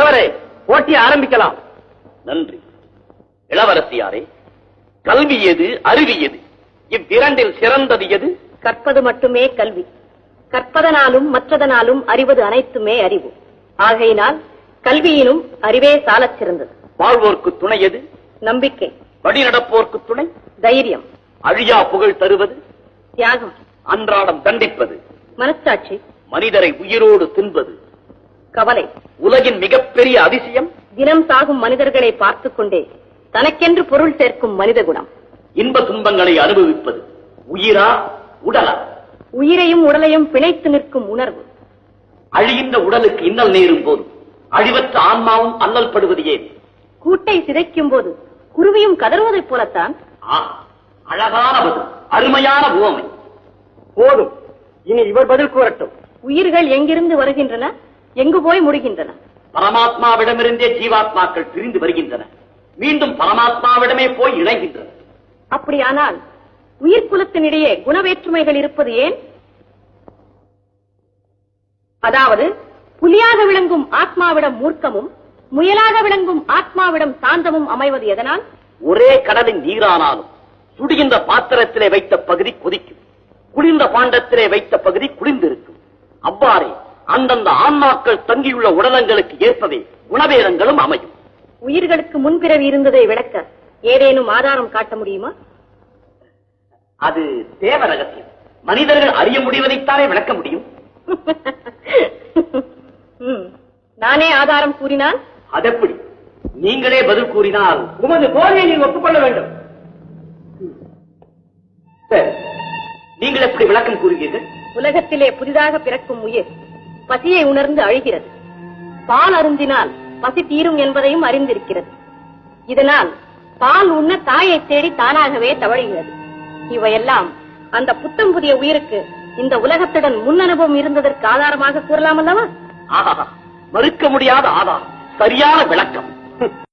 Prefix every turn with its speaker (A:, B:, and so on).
A: தலைவரே, போட்டி ஆரம்பிக்கலாம்.
B: நன்றி. இளவரசியாரே, கல்வி எது, அறிவு எது? இவ்விரண்டில் சிறந்தது எது?
C: கற்பது மட்டுமே கல்வி. கற்பதனாலும் மற்றதனாலும் அறிவது அனைத்துமே அறிவு. ஆகையினால் கல்வியினும் அறிவே சாலச் சிறந்தது.
B: வாழ்வோர்க்கு துணை எது?
C: நம்பிக்கை.
B: வழிநடப்போர்க்கு துணை
C: தைரியம்.
B: அழியா புகழ் தருவது?
C: தியாகம்.
B: அன்றாடம் தண்டிப்பது?
C: மனச்சாட்சி.
B: மனிதரை உயிரோடு தின்பது?
C: கவலை.
B: உலகின் மிகப்பெரிய அதிசயம்?
C: தினம் சாகும் மனிதர்களை பார்த்துக் கொண்டே தனக்கென்று பொருள் சேர்க்கும் மனித குணம்.
B: இன்ப துன்பங்களை அனுபவிப்பது? உயிரா உடலா?
C: உயிரையும் உடலையும் பிணைத்து நிற்கும் உணர்வு.
B: அழிகின்ற உடலுக்கு இன்னல் நேரும் போது அழிவற்ற ஆன்மாவும் அல்லல் படுவது ஏன்?
C: கூட்டை சிதைக்கும் போது குருவியும் கதறுவதைப் போலத்தான்.
B: அழகான பதில், அருமையான உவமை.
A: போதும், இனி இவர் பதில் கூறட்டும்.
C: உயிர்கள் எங்கிருந்து வருகின்றன, எங்கு போய் முடிகின்றன?
B: பரமாத்மாவிடமிருந்தே ஜீவாத்மாக்கள் பிரிந்து வருகின்றன, மீண்டும் பரமாத்மாவிடமே போய் இணைகின்றன.
C: அப்படியானால் உயிர் குலத்தினிடையே குணவேற்றுமைகள் இருப்பது ஏன்? அதாவது புலியாக விளங்கும் ஆத்மாவிடம் மூர்க்கமும், முயலாக விளங்கும் ஆத்மாவிடம் சாந்தமும் அமைவது எதனால்?
B: ஒரே கடலின் நீரானாலும் சுடுகின்ற பாத்திரத்திலே வைத்த பகுதி கொதிக்கும், குளிர்ந்த பாண்டத்திலே வைத்த பகுதி குளிர்ந்திருக்கும். அவ்வாறே அந்தந்த ஆன்மாக்கள் தங்கியுள்ள உடலங்களுக்கு ஏற்பவே குணவேதங்களும் அமையும்.
C: உயிர்களுக்கு முன்பிறவி இருந்ததை விளக்க ஏதேனும் ஆதாரம் காட்ட முடியுமா?
B: அது தேவ ரகசியம். மனிதர்கள் அறிய முடிவதைத்தானே விளக்க முடியும்.
C: நானே ஆதாரம் கூறினால்?
B: அதெப்படி? நீங்களே பதில் கூறினால்
A: உமது போதையை நீங்கள் ஒப்புக்கொள்ள வேண்டும்.
B: சரி, நீங்கள் எப்படி விளக்கம் கூறுவீர்கள்?
C: உலகத்திலே புதிதாக பிறக்கும் உயிர் பசியை உணர்ந்து அழுகிறது. பால் அருந்தினால் பசி தீரும் என்பதையும் அறிந்திருக்கிறது. இதனால் பால் உண்ண தாயை தேடி தானாகவே தவழுகிறது. இவையெல்லாம் அந்த புத்தம் புதிய உயிருக்கு இந்த உலகத்துடன் முன் அனுபவம் இருந்ததற்கு ஆதாரமாக கூறலாம் அல்லவா?
B: மறுக்க முடியாத ஆதாரம், சரியான விளக்கம்.